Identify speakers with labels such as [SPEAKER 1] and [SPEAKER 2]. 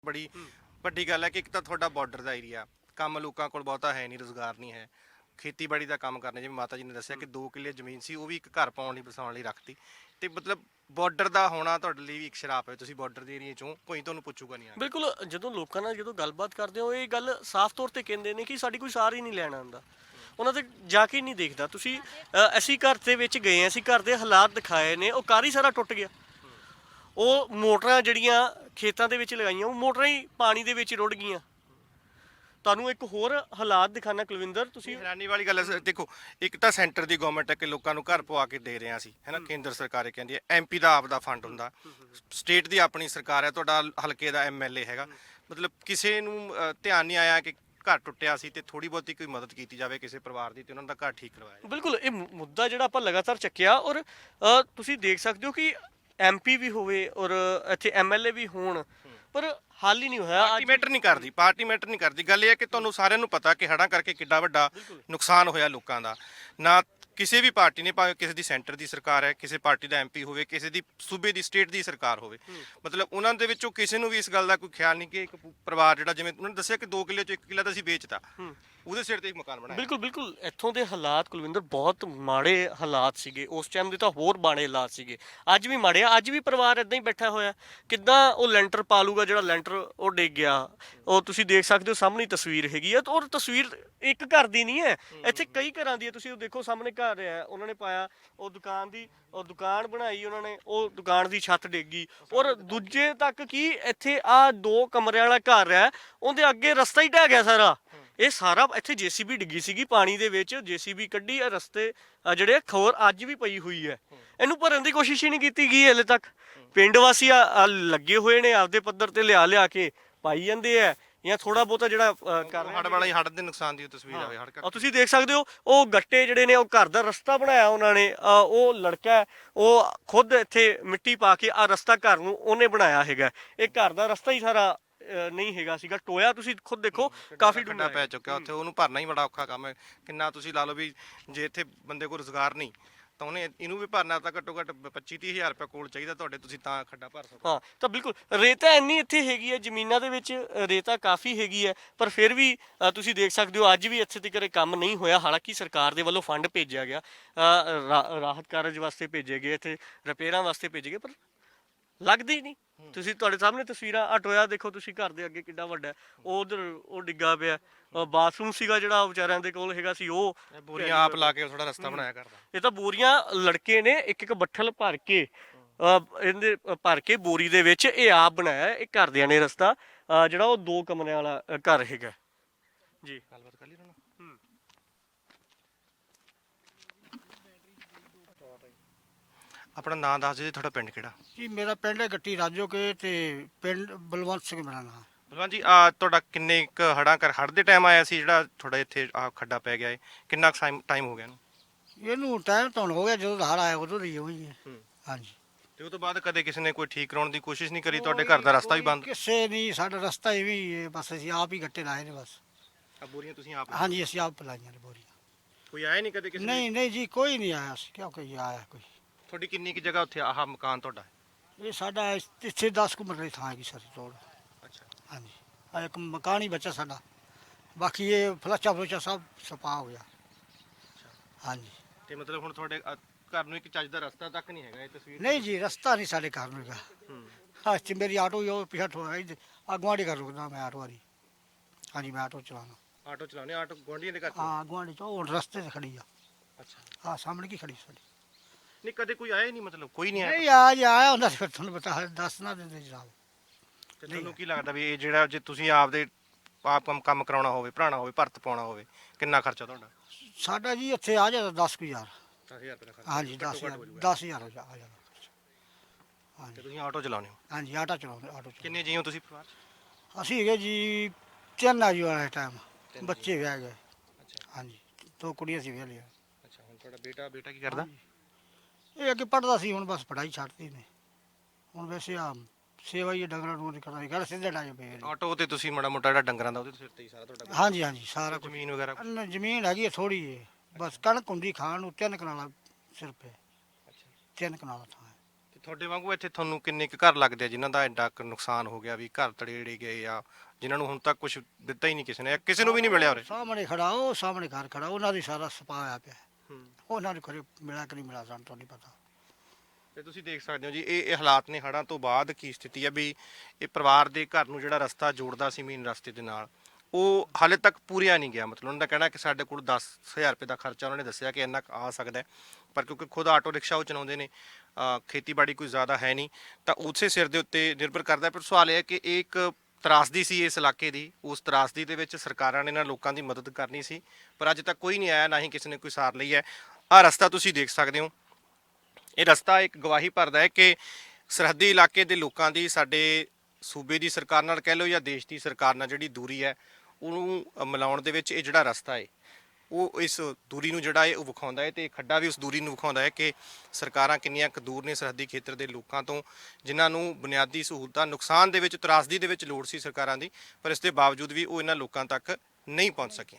[SPEAKER 1] ਬੜੀ ਵੱਡੀ ਗੱਲ ਹੈ ਕਿ ਇੱਕ ਤਾਂ ਤੁਹਾਡਾ ਬਾਰਡਰ ਦਾ ਏਰੀਆ, ਕੰਮ ਲੋਕਾਂ ਕੋਲ ਬਹੁਤਾ ਹੈ ਨਹੀਂ, ਰੁਜ਼ਗਾਰ ਨਹੀਂ ਹੈ। ਖੇਤੀਬਾੜੀ ਦਾ ਕੰਮ ਕਰਨੇ, ਜਿਵੇਂ ਮਾਤਾ ਜੀ ਨੇ ਦੱਸਿਆ ਕਿ 2 ਕਿੱਲੇ ਜ਼ਮੀਨ ਸੀ, ਉਹ ਵੀ ਇੱਕ ਘਰ ਪਾਉਣ ਲਈ ਵਸਾਉਣ ਲਈ ਰੱਖਤੀ। ਤੇ ਮਤਲਬ ਬਾਰਡਰ ਦਾ ਹੋਣਾ ਤੁਹਾਡੇ ਲਈ ਵੀ ਇੱਕ ਸ਼ਰਾਪ ਹੈ। ਤੁਸੀਂ ਬਾਰਡਰ ਦੇ ਏਰੀਏ ਚੋਂ, ਕੋਈ ਤੁਹਾਨੂੰ ਪੁੱਛੂਗਾ ਨਹੀਂ ਆ ਕੇ।
[SPEAKER 2] ਬਿਲਕੁਲ, ਜਦੋਂ ਲੋਕਾਂ ਨਾਲ ਗੱਲਬਾਤ ਕਰਦੇ ਹੋ ਇਹ ਗੱਲ ਸਾਫ਼ ਤੌਰ ਤੇ ਕਹਿੰਦੇ ਨੇ ਕਿ ਸਾਡੀ ਕੋਈ ਸਾਰ ਹੀ ਨਹੀਂ ਲੈਣ ਆਉਂਦਾ, ਉਹਨਾਂ ਤੇ ਜਾ ਕੇ ਨਹੀਂ ਦੇਖਦਾ। ਤੁਸੀਂ ਅਸੀਂ ਘਰ ਦੇ ਵਿੱਚ ਗਏ, ਅਸੀਂ ਘਰ ਦੇ ਹਾਲਾਤ ਦਿਖਾਏ ਨੇ, ਉਹ ਘਰ ਹੀ ਸਾਰਾ ਟੁੱਟ ਗਿਆ। ਉਹ ਮੋਟਰਾਂ ਜਿਹੜੀਆਂ ਖੇਤਾਂ ਦੇ ਵਿੱਚ ਲਗਾਈਆਂ, ਉਹ ਮੋਟਰਾਂ ਹੀ ਪਾਣੀ ਦੇ ਵਿੱਚ ਰੁੜ ਗਈਆਂ। ਤੁਹਾਨੂੰ ਇੱਕ ਹੋਰ ਹਾਲਾਤ ਦਿਖਾਣਾ ਕੁਲਵਿੰਦਰ, ਤੁਸੀਂ
[SPEAKER 1] ਹੈਰਾਨੀ ਵਾਲੀ ਗੱਲ ਹੈ। ਦੇਖੋ, ਇੱਕ ਤਾਂ ਸੈਂਟਰ ਦੀ ਗਵਰਨਮੈਂਟ ਹੈ ਕਿ ਲੋਕਾਂ ਨੂੰ ਘਰ ਪਵਾ ਕੇ ਦੇ ਰਹੇ ਸੀ, ਹੈ ਨਾ। ਕੇਂਦਰ ਸਰਕਾਰ ਇਹ ਕਹਿੰਦੀ ਹੈ, ਐਮਪੀ ਦਾ ਆਪ ਦਾ ਫੰਡ ਹੁੰਦਾ, ਸਟੇਟ ਦੀ ਆਪਣੀ ਸਰਕਾਰ ਹੈ, ਤੁਹਾਡਾ ਹਲਕੇ ਦਾ ਐਮਐਲਏ ਹੈਗਾ। ਮਤਲਬ ਕਿਸੇ ਨੂੰ ਧਿਆਨ ਨਹੀਂ ਆਇਆ ਕਿ ਘਰ ਟੁੱਟਿਆ ਸੀ ਤੇ ਥੋੜੀ ਬਹੁਤੀ ਕੋਈ ਮਦਦ ਕੀਤੀ ਜਾਵੇ ਕਿਸੇ ਪਰਿਵਾਰ ਦੀ ਤੇ ਉਹਨਾਂ ਦਾ ਘਰ ਠੀਕ ਕਰਵਾਇਆ ਜਾਵੇ।
[SPEAKER 2] ਬਿਲਕੁਲ, ਇਹ ਮੁੱਦਾ ਜਿਹੜਾ ਆਪਾਂ ਲਗਾਤਾਰ ਚੱਕਿਆ, ਔਰ ਤੁਸੀਂ ਦੇਖ ਸਕਦੇ ਹੋ ਕਿ ਐਮਪੀ ਵੀ ਹੋਵੇ ਔਰ ਇੱਥੇ ਐਮਐਲਏ ਵੀ ਹੋਣ, ਪਰ ਹੱਲ ਹੀ ਨਹੀਂ ਹੋਇਆ।
[SPEAKER 1] ਪਾਰਟੀ ਮੈਟਰ ਨਹੀਂ ਕਰਦੀ। ਗੱਲ ਇਹ ਹੈ ਕਿ ਤੁਹਾਨੂੰ ਸਾਰਿਆਂ ਨੂੰ ਪਤਾ ਕਿ ਹੜ੍ਹਾਂ ਕਰਕੇ ਕਿੱਡਾ ਵੱਡਾ ਨੁਕਸਾਨ ਹੋਇਆ ਲੋਕਾਂ ਦਾ। ਨਾ ਕਿਸੇ ਵੀ ਪਾਰਟੀ ਨੇ, ਭਾਵੇਂ ਕਿਸੇ ਦੀ ਸੈਂਟਰ ਦੀ ਸਰਕਾਰ ਹੈ, ਕਿਸੇ ਪਾਰਟੀ ਦਾ ਐਮਪੀ ਹੋਵੇ, ਕਿਸੇ ਦੀ ਸੂਬੇ ਦੀ ਸਟੇਟ ਦੀ ਸਰਕਾਰ ਹੋਵੇ, ਮਤਲਬ ਉਹਨਾਂ ਦੇ ਵਿੱਚੋਂ ਕਿਸੇ ਨੂੰ ਵੀ ਇਸ ਗੱਲ ਦਾ ਕੋਈ ਖਿਆਲ ਨਹੀਂ ਕਿ ਇੱਕ ਪਰਿਵਾਰ ਜਿਹੜਾ, ਜਿਵੇਂ ਉਹਨਾਂ ਨੇ ਦੱਸਿਆ ਕਿ 2 ਕਿੱਲੇ ਚੋਂ 1 ਕਿੱਲਾ ਤਾਂ ਅਸੀਂ ਵੇਚਤਾ, ਉਹਦੇ ਸਿਰ ਤੇ ਇੱਕ ਮਕਾਨ ਬਣਾਇਆ।
[SPEAKER 2] ਬਿਲਕੁਲ ਇੱਥੋਂ ਦੇ ਹਾਲਾਤ ਕੁਲਵਿੰਦਰ ਬਹੁਤ ਮਾੜੇ ਹਾਲਾਤ ਸੀਗੇ ਉਸ ਟਾਈਮ ਦੇ, ਤਾਂ ਹੋਰ ਮਾੜੇ ਹਾਲਾਤ ਸੀਗੇ, ਅੱਜ ਵੀ ਮਾੜੇ ਆ। ਅੱਜ ਵੀ ਪਰਿਵਾਰ ਇਦਾਂ ਹੀ ਬੈਠਾ ਹੋਇਆ, ਕਿੱਦਾਂ ਉਹ ਲੈਂਟਰ ਪਾ ਲੂਗਾ ਜਿਹੜਾ ਲੈਂਟਰ ਉਹ ਡਿੱਗ ਗਿਆ। ਉਹ ਤੁਸੀਂ ਦੇਖ ਸਕਦੇ ਹੋ, ਸਾਹਮਣੇ ਤਸਵੀਰ ਹੈਗੀ ਆ, ਔਰ ਤਸਵੀਰ ਇੱਕ ਘਰ ਦੀ ਨਹੀਂ ਹੈ, ਇੱਥੇ ਕਈ ਘਰਾਂ ਦੀ ਹੈ। ਤੁਸੀਂ ਉਹ ਦੇਖੋ, ਸਾਹਮਣੇ ਘਰ ਹੈ, ਉਹਨਾਂ ਨੇ ਪਾਇਆ, ਉਹ ਦੁਕਾਨ ਬਣਾਈ ਉਹਨਾਂ ਨੇ, ਉਹ ਦੁਕਾਨ ਦੀ ਛੱਤ ਡਿੱਗ ਗਈ। ਔਰ ਦੂਜੇ ਤੱਕ ਕੀ, ਇੱਥੇ ਆ 2 ਕਮਰਿਆਂ ਵਾਲਾ ਘਰ ਹੈ, ਉਹਦੇ ਅੱਗੇ ਰਸਤਾ ਹੀ ਢਹਿ ਗਿਆ ਸਾਰਾ। ਇਹ ਸਾਰਾ ਇੱਥੇ ਜੇਸੀਬੀ ਡਿੱਗੀ ਸੀਗੀ ਪਾਣੀ ਦੇ ਵਿੱਚ, ਜੇਸੀਬੀ ਕੱਢੀ, ਆ ਰਸਤੇ ਜਿਹੜੇ ਖੋਰ ਅੱਜ ਵੀ ਪਈ ਹੋਈ ਹੈ, ਇਹਨੂੰ ਭਰਨ ਦੀ ਕੋਸ਼ਿਸ਼ ਹੀ ਨਹੀਂ ਕੀਤੀ ਗਈ ਹਲੇ ਤੱਕ। ਪਿੰਡ ਵਾਸੀ ਲੱਗੇ ਹੋਏ ਨੇ, ਆਪਦੇ ਪੱਧਰ ਤੇ ਲਿਆ ਕੇ ਪਾਈ ਜਾਂਦੇ ਆ, ਜਾਂ ਥੋੜਾ ਬਹੁਤਾ ਜਿਹੜਾ ਕਰ
[SPEAKER 1] ਹੜ੍ਹ ਵਾਲਾ ਹੀ, ਹੜ੍ਹ ਦੇ ਨੁਕਸਾਨ ਦੀ ਤਸਵੀਰ ਆਵੇ। ਹੜ੍ਹ
[SPEAKER 2] ਤੁਸੀਂ ਦੇਖ ਸਕਦੇ ਹੋ, ਉਹ ਗੱਟੇ ਜਿਹੜੇ ਨੇ, ਉਹ ਘਰ ਦਾ ਰਸਤਾ ਬਣਾਇਆ ਉਹਨਾਂ ਨੇ। ਉਹ ਲੜਕਾ ਉਹ ਖੁਦ ਇੱਥੇ ਮਿੱਟੀ ਪਾ ਕੇ ਆ ਰਸਤਾ ਘਰ ਨੂੰ ਉਹਨੇ ਬਣਾਇਆ ਹੈਗਾ। ਇਹ ਘਰ ਦਾ ਰਸਤਾ ਹੀ ਸਾਰਾ ਨਹੀਂ ਹੈਗਾ ਸੀਗਾ, ਟੋਇਆ। ਤੁਸੀਂ ਖੁਦ ਦੇਖੋ, ਕਾਫੀ
[SPEAKER 1] ਡੂੰਘਾ ਪੈ ਚੁੱਕਿਆ ਉੱਥੇ, ਉਹਨੂੰ ਭਰਨਾ ਹੀ ਬੜਾ ਔਖਾ ਕੰਮ ਹੈ। ਕਿੰਨਾ ਤੁਸੀਂ ਲਾ ਲਓ ਵੀ ਜੇ ਇੱਥੇ ਬੰਦੇ ਕੋਲ ਰੁਜ਼ਗਾਰ ਨਹੀਂ ਤਾਂ ਉਹਨੇ ਇਹਨੂੰ ਵੀ ਭਰਨਾ ਤਾਂ ਘੱਟੋ ਘੱਟ 25-30 ਹਜ਼ਾਰ ਰੁਪਏ ਕੋਲ ਚਾਹੀਦਾ ਤੁਹਾਡੇ, ਤੁਸੀਂ ਤਾਂ ਖੱਡਾ ਭਰ ਸਕੋ।
[SPEAKER 2] ਹਾਂ, ਤਾਂ ਬਿਲਕੁਲ ਰੇਤਾ ਇੰਨੀ ਇੱਥੇ ਹੈਗੀ ਹੈ, ਜ਼ਮੀਨਾਂ ਦੇ ਵਿੱਚ ਰੇਤਾ ਕਾਫੀ ਹੈਗੀ ਹੈ, ਪਰ ਫਿਰ ਵੀ ਤੁਸੀਂ ਦੇਖ ਸਕਦੇ ਹੋ ਅੱਜ ਵੀ ਇੱਥੇ ਤੱਕ ਕੰਮ ਨਹੀਂ ਹੋਇਆ। ਹਾਲਾਂਕਿ ਸਰਕਾਰ ਦੇ ਵੱਲੋਂ ਫੰਡ ਭੇਜਿਆ ਗਿਆ, ਰਾਹਤ ਕਾਰਜ ਵਾਸਤੇ ਭੇਜੇ ਗਏ, ਇੱਥੇ ਰਿਪੇਅਰਾਂ ਵਾਸਤੇ ਭੇਜੇ ਗਏ, ਪਰ ਲੱਗਦੀ ਹੀ ਨਹੀਂ। ਤੁਸੀਂ ਤੁਹਾਡੇ ਸਾਹਮਣੇ ਤਸਵੀਰਾਂ, ਆ ਟੋਇਆ ਦੇਖੋ ਤੁਸੀਂ, ਘਰ ਦੇ ਅੱਗੇ ਕਿੱਡਾ ਵੱਡਾ, ਉਹ ਉਧਰ ਉਹ ਡਿੱਗਾ ਪਿਆ। ਬਾਥਰੂਮ ਸੀਗਾ ਜਿਹੜਾ ਵਿਚਾਰਿਆਂ ਦੇ ਕੋਲ ਹੈਗਾ ਸੀ, ਉਹ
[SPEAKER 1] ਬੋਰੀਆਂ ਆਪ ਲਾ ਕੇ ਥੋੜਾ ਰਸਤਾ ਬਣਾਇਆ ਕਰਦਾ।
[SPEAKER 2] ਇਹ ਤਾਂ ਬੋਰੀਆਂ ਲੜਕੇ ਨੇ ਇੱਕ ਬੱਠਲ ਭਰ ਕੇ, ਇਹਦੇ ਭਰ ਕੇ ਬੋਰੀ ਦੇ ਵਿੱਚ ਇਹ ਆਪ ਬਣਾਇਆ ਇਹ ਘਰਦਿਆਂ ਨੇ ਰਸਤਾ, ਜਿਹੜਾ ਉਹ 2 ਕਮਰਿਆਂ ਵਾਲਾ ਘਰ ਹੈਗਾ ਜੀ।
[SPEAKER 1] ਗੱਲਬਾਤ ਕਰ ਲਈ ਉਹਨਾਂ ਨਾਲ। ਆਪਣਾ ਨਾਮ ਦੱਸ ਦਿਓ ਜੀ, ਤੁਹਾਡਾ ਪਿੰਡ ਕਿਹੜਾ?
[SPEAKER 3] ਜੀ ਮੇਰਾ ਪਿੰਡ ਹੈ ਗੱਟੀ ਰਾਜੋਕੇ, ਤੇ ਪਿੰਡ ਬਲਵੰਤ ਸਿੰਘ ਮੇਰਾ ਨਾਮ।
[SPEAKER 1] ਬਲਵੰਤ ਜੀ, ਤੁਹਾਡਾ ਕਿੰਨੇ ਕੁ ਹੜ੍ਹ ਦੇ ਟਾਈਮ ਆਇਆ ਸੀ ਜਿਹੜਾ ਤੁਹਾਡਾ ਇੱਥੇ ਖੱਡਾ ਪੈ ਗਿਆ ਹੈ? ਕਿੰਨਾ ਟਾਈਮ ਹੋ ਗਿਆ ਇਹਨੂੰ?
[SPEAKER 3] ਇਹਨੂੰ ਟਾਈਮ ਤਾਂ ਹੁਣ ਹੋ ਗਿਆ, ਜਦੋਂ ਹੜ੍ਹ ਆਇਆ ਉਦੋਂ ਦੀ ਹੋਈ ਹੈ। ਹਾਂਜੀ।
[SPEAKER 1] ਤੇ ਉਹ ਤੋਂ ਬਾਅਦ ਕਦੇ ਕਿਸੇ ਨੇ ਕੋਈ ਠੀਕ ਕਰਾਉਣ ਦੀ ਕੋਸ਼ਿਸ਼ ਨਹੀਂ ਕਰੀ? ਤੁਹਾਡੇ ਘਰ ਦਾ ਰਸਤਾ ਵੀ ਬੰਦ?
[SPEAKER 3] ਕਿਸੇ ਨਹੀਂ, ਸਾਡਾ ਰਸਤਾ ਇਵੇਂ ਹੀ ਹੈ, ਬਸ ਅਸੀਂ ਆਪ ਹੀ ਗੱਟੇ ਲਾਏ ਨੇ ਬਸ।
[SPEAKER 1] ਬੋਰੀਆਂ ਤੁਸੀਂ ਆਪ?
[SPEAKER 3] ਹਾਂਜੀ, ਅਸੀਂ ਆਪ ਲਾਈਆਂ ਨੇ ਬੋਰੀਆਂ।
[SPEAKER 1] ਕੋਈ ਆਇਆ ਨਹੀਂ ਕਦੇ ਕਿਸੇ?
[SPEAKER 3] ਨਹੀਂ ਜੀ, ਕੋਈ ਨਹੀਂ ਆਇਆ ਸੀ, ਕਿਉਂ ਕੋਈ ਆਇਆ ਕੋਈ।
[SPEAKER 1] ਤੁਹਾਡੀ ਕਿੰਨੀ ਕੁ ਜਗ੍ਹਾ ਉੱਥੇ ਆਹ ਮਕਾਨ ਤੁਹਾਡਾ?
[SPEAKER 3] ਇਹ ਸਾਡਾ ਇੱਥੇ 10 ਕੁ ਮਰਲੇ ਥਾਂ ਹੈਗੀ ਸਾਰੀ ਤੋੜ।
[SPEAKER 1] ਅੱਛਾ।
[SPEAKER 3] ਹਾਂਜੀ, ਆ ਇੱਕ ਮਕਾਨ ਹੀ ਬਚਾ ਸਾਡਾ, ਬਾਕੀ ਇਹ ਫਲੱਚਾ ਸਭ ਸਪਾ ਹੋ ਗਿਆ। ਹਾਂਜੀ।
[SPEAKER 1] ਤੇ ਮਤਲਬ ਹੁਣ ਤੁਹਾਡੇ ਘਰ ਨੂੰ ਇੱਕ ਚੱਜ ਦਾ ਰਸਤਾ ਤੱਕ ਨਹੀਂ ਹੈਗਾ? ਇਹ ਤਸਵੀਰ
[SPEAKER 3] ਨਹੀਂ ਜੀ, ਰਸਤਾ ਨਹੀਂ ਸਾਡੇ ਘਰ ਨੂੰ ਹੈਗਾ। ਹਾਂ, ਚ ਮੇਰੀ ਆਟੋ ਹੀ ਉਹ ਪਿਛਾ ਗੁਆਂਢੀ ਕਰ ਰੁਕਦਾ ਮੈਂ ਆਟੋ ਵਾਲੀ। ਹਾਂਜੀ, ਮੈਂ ਆਟੋ ਚਲਾਉਣਾ।
[SPEAKER 1] ਆਟੋ ਚਲਾਉਣੇ? ਆਟੋ ਗੁਆਂਢੀਆਂ ਦੇ ਘਰ?
[SPEAKER 3] ਹਾਂ, ਗੁਆਂਢੀ ਚ ਉਹ ਰਸਤੇ 'ਤੇ ਖੜੀ ਆ।
[SPEAKER 1] ਅੱਛਾ।
[SPEAKER 3] ਹਾਂ, ਸਾਹਮਣੇ ਕੀ ਖੜੀ ਸਾਡੀ।
[SPEAKER 1] ਨਹੀਂ, ਕਦੇ ਕੋਈ ਆਇਆ ਹੀ ਨਹੀਂ? ਮਤਲਬ ਕੋਈ ਨਹੀਂ ਆਇਆ?
[SPEAKER 3] ਨਹੀਂ, ਆਇਆ ਹੁੰਦਾ ਫਿਰ ਤੁਹਾਨੂੰ ਪਤਾ, ਦੱਸ ਨਾ ਦਿੰਦੇ ਜਨਾਬ।
[SPEAKER 1] ਤੇ ਤੁਹਾਨੂੰ ਕੀ ਲੱਗਦਾ ਵੀ ਇਹ ਜਿਹੜਾ, ਜੇ ਤੁਸੀਂ ਆਪਦੇ ਆਪ ਕੰਮ ਕਰਾਉਣਾ ਹੋਵੇ, ਭਰਾਣਾ ਹੋਵੇ, ਭਰਤ ਪਾਉਣਾ ਹੋਵੇ, ਕਿੰਨਾ ਖਰਚਾ ਤੁਹਾਡਾ?
[SPEAKER 3] ਸਾਡਾ ਜੀ ਇੱਥੇ ਆ ਜਾਂਦਾ 10,000।
[SPEAKER 1] 10,000 ਰੁਪਏ ਦਾ ਖਰਚਾ?
[SPEAKER 3] ਹਾਂਜੀ, 10,000 ਆ ਜਾਂਦਾ।
[SPEAKER 1] ਤੇ
[SPEAKER 3] ਹਾਂਜੀ
[SPEAKER 1] ਤੁਸੀਂ ਆਟੋ ਚਲਾਉਂਦੇ ਹੋ?
[SPEAKER 3] ਹਾਂਜੀ, ਆਟੋ ਚਲਾਉਂਦੇ।
[SPEAKER 1] ਕਿੰਨੇ ਜੀ ਹੋ ਤੁਸੀਂ ਪਰਿਵਾਰ 'ਚ?
[SPEAKER 3] ਅਸੀਂ ਹੈਗੇ ਜੀ 3 ਆ ਜੀ ਵਾਲਾ ਟਾਈਮ, ਬੱਚੇ ਵਿਆਹ ਗਏ।
[SPEAKER 1] ਅੱਛਾ।
[SPEAKER 3] ਹਾਂਜੀ, 2 ਕੁੜੀਆਂ ਸੀ ਵਿਆਹ ਲਿਆ।
[SPEAKER 1] ਅੱਛਾ। ਹੁਣ ਤੁਹਾਡਾ ਬੇਟਾ ਕੀ ਕਰਦਾ?
[SPEAKER 3] ਇਹ ਅੱਗੇ ਪੜ੍ਹਦਾ ਸੀ, ਹੁਣ ਬਸ ਪੜ੍ਹਾਈ ਛੱਡਤੀ ਨੇ। ਹੁਣ ਵੈਸੇ ਆ ਸੇਵਾ ਹੀ ਡੰਗਰਾਂ ਨੂੰ ਕਰਦਾ, ਘਰ ਸਿੱਧੇ ਡਾਏ ਪਏ ਨੇ।
[SPEAKER 1] ਆਟੋ ਤੇ ਤੁਸੀਂ ਮਾੜਾ ਮੋਟਾ ਜਿਹੜਾ ਡੰਗਰਾਂ ਦਾ ਉਹਦੇ ਸਿਰ ਤੇ ਹੀ ਸਾਰਾ ਤੁਹਾਡਾ?
[SPEAKER 3] ਹਾਂਜੀ, ਸਾਰਾ ਕੁਝ।
[SPEAKER 1] ਜ਼ਮੀਨ ਵਗੈਰਾ?
[SPEAKER 3] ਜ਼ਮੀਨ ਹੈਗੀ ਹੈ ਥੋੜੀ ਹੈ, ਬਸ ਕਣਕ ਹੁੰਦੀ ਖਾਣ ਨੂੰ। 3 ਕਨਾਲਾਂ ਸਿਰਫ ਹੈ,
[SPEAKER 1] ਅੱਛਾ।
[SPEAKER 3] 3 ਕਨਾਲਾਂ ਥਾਂ ਹੈ।
[SPEAKER 1] ਤੇ ਤੁਹਾਡੇ ਵਾਂਗੂ ਇੱਥੇ ਤੁਹਾਨੂੰ ਕਿੰਨੇ ਕੁ ਘਰ ਲੱਗਦੇ ਆ ਜਿਨ੍ਹਾਂ ਦਾ ਐਡਾ ਕੁ ਨੁਕਸਾਨ ਹੋ ਗਿਆ ਵੀ ਘਰ ਤੜੇੜੇ ਗਏ ਆ, ਜਿਨ੍ਹਾਂ ਨੂੰ ਹੁਣ ਤੱਕ ਕੁਝ ਦਿੱਤਾ ਹੀ ਨਹੀਂ ਕਿਸੇ ਨੇ, ਕਿਸੇ ਨੂੰ ਵੀ ਨਹੀਂ ਮਿਲਿਆ ਉਰੇ?
[SPEAKER 3] ਸਾਹਮਣੇ ਖੜਾ, ਉਹ ਸਾਹਮਣੇ ਘਰ ਖੜਾ, ਉਹਨਾਂ ਦੀ ਸਾਰਾ ਸਪਾ ਹੋਇਆ ਪਿਆ। ਉਹਨਾਂ ਨੂੰ ਕਰੇ ਮਿਲਿਆ ਕਿ ਨਹੀਂ ਮਿਲਿਆ ਸਾਨੂੰ ਤਾਂ ਨਹੀਂ ਪਤਾ।
[SPEAKER 1] ਤੇ ਤੁਸੀਂ ਦੇਖ ਸਕਦੇ ਹੋ ਜੀ, ਇਹ ਹਾਲਾਤ ਨੇ ਹੜ੍ਹਾਂ ਤੋਂ ਬਾਅਦ ਕੀ ਸਥਿਤੀ ਹੈ ਵੀ ਇਹ ਪਰਿਵਾਰ ਦੇ ਘਰ ਨੂੰ ਜਿਹੜਾ ਰਸਤਾ ਜੋੜਦਾ ਸੀ ਮੇਨ ਰਸਤੇ ਦੇ ਨਾਲ, ਉਹ ਹਾਲੇ ਤੱਕ ਪੂਰਿਆ ਨਹੀਂ ਗਿਆ। ਮਤਲਬ ਉਹਨਾਂ ਦਾ ਕਹਿਣਾ ਕਿ ਸਾਡੇ ਕੋਲ 10,000 ਰੁਪਏ ਦਾ ਖਰਚਾ ਉਹਨਾਂ ਨੇ ਦੱਸਿਆ ਕਿ ਇੰਨਾ ਕੁ ਆ ਸਕਦਾ ਹੈ, ਪਰ ਕਿਉਂਕਿ ਖੁਦ ਆਟੋ ਰਿਕਸ਼ਾ ਉਹ ਚਲਾਉਂਦੇ ਨੇ, ਖੇਤੀਬਾੜੀ ਕੋਈ ਜ਼ਿਆਦਾ ਹੈ ਨਹੀਂ, ਤਾਂ ਉਸੇ ਸਿਰ ਦੇ ਉੱਤੇ ਨਿਰਭਰ ਕਰਦਾ। ਪਰ ਸਵਾਲ ਇਹ ਹੈ ਕਿ ਇਹ ਇੱਕ ਤਰਾਸਦੀ ਸੀ ਇਸ ਇਲਾਕੇ ਦੀ, ਉਸ ਤਰਾਸਦੀ ਦੇ ਵਿੱਚ ਸਰਕਾਰਾਂ ਨੇ ਇਹਨਾਂ ਲੋਕਾਂ ਦੀ ਮਦਦ ਕਰਨੀ ਸੀ, ਪਰ ਅੱਜ ਤੱਕ ਕੋਈ ਨਹੀਂ ਆਇਆ, ਨਾ ਹੀ ਕਿਸੇ ਨੇ ਕੋਈ ਸਾਰ ਲਈ ਹੈ। ਆਹ ਰਸਤਾ ਤੁਸੀਂ ਦੇਖ ਸਕਦੇ ਹੋ, ਇਹ ਰਸਤਾ ਇੱਕ ਗਵਾਹੀ ਭਰਦਾ ਹੈ ਕਿ ਸਰਹੱਦੀ ਇਲਾਕੇ ਦੇ ਲੋਕਾਂ ਦੀ ਸਾਡੇ ਸੂਬੇ ਦੀ ਸਰਕਾਰ ਨਾਲ ਕਹਿ ਲਓ ਜਾਂ ਦੇਸ਼ ਦੀ ਸਰਕਾਰ ਨਾਲ ਜਿਹੜੀ ਦੂਰੀ ਹੈ ਉਹਨੂੰ ਮਿਲਾਉਣ ਦੇ ਵਿੱਚ ਇਹ ਜਿਹੜਾ ਰਸਤਾ ਹੈ ਉਹ ਇਸ ਦੂਰੀ ਨੂੰ ਜਿਹੜਾ ਹੈ ਉਹ ਵਿਖਾਉਂਦਾ ਹੈ, ਤੇ ਖੱਡਾ ਵੀ ਉਸ ਦੂਰੀ ਨੂੰ ਵਿਖਾਉਂਦਾ ਹੈ ਕਿ ਸਰਕਾਰਾਂ ਕਿੰਨੀਆਂ ਕੁ ਦੂਰ ਨੇ ਸਰਹੱਦੀ ਖੇਤਰ ਦੇ ਲੋਕਾਂ ਤੋਂ, ਜਿਨ੍ਹਾਂ ਨੂੰ ਬੁਨਿਆਦੀ ਸਹੂਲਤਾਂ ਨੁਕਸਾਨ ਦੇ ਵਿੱਚ, ਤਰਾਸਦੀ ਦੇ ਵਿੱਚ ਲੋੜ ਸੀ ਸਰਕਾਰਾਂ ਦੀ, ਪਰ ਇਸ ਦੇ ਬਾਵਜੂਦ ਵੀ ਉਹ ਇਹਨਾਂ ਲੋਕਾਂ ਤੱਕ ਨਹੀਂ ਪਹੁੰਚ ਸਕੀਆਂ।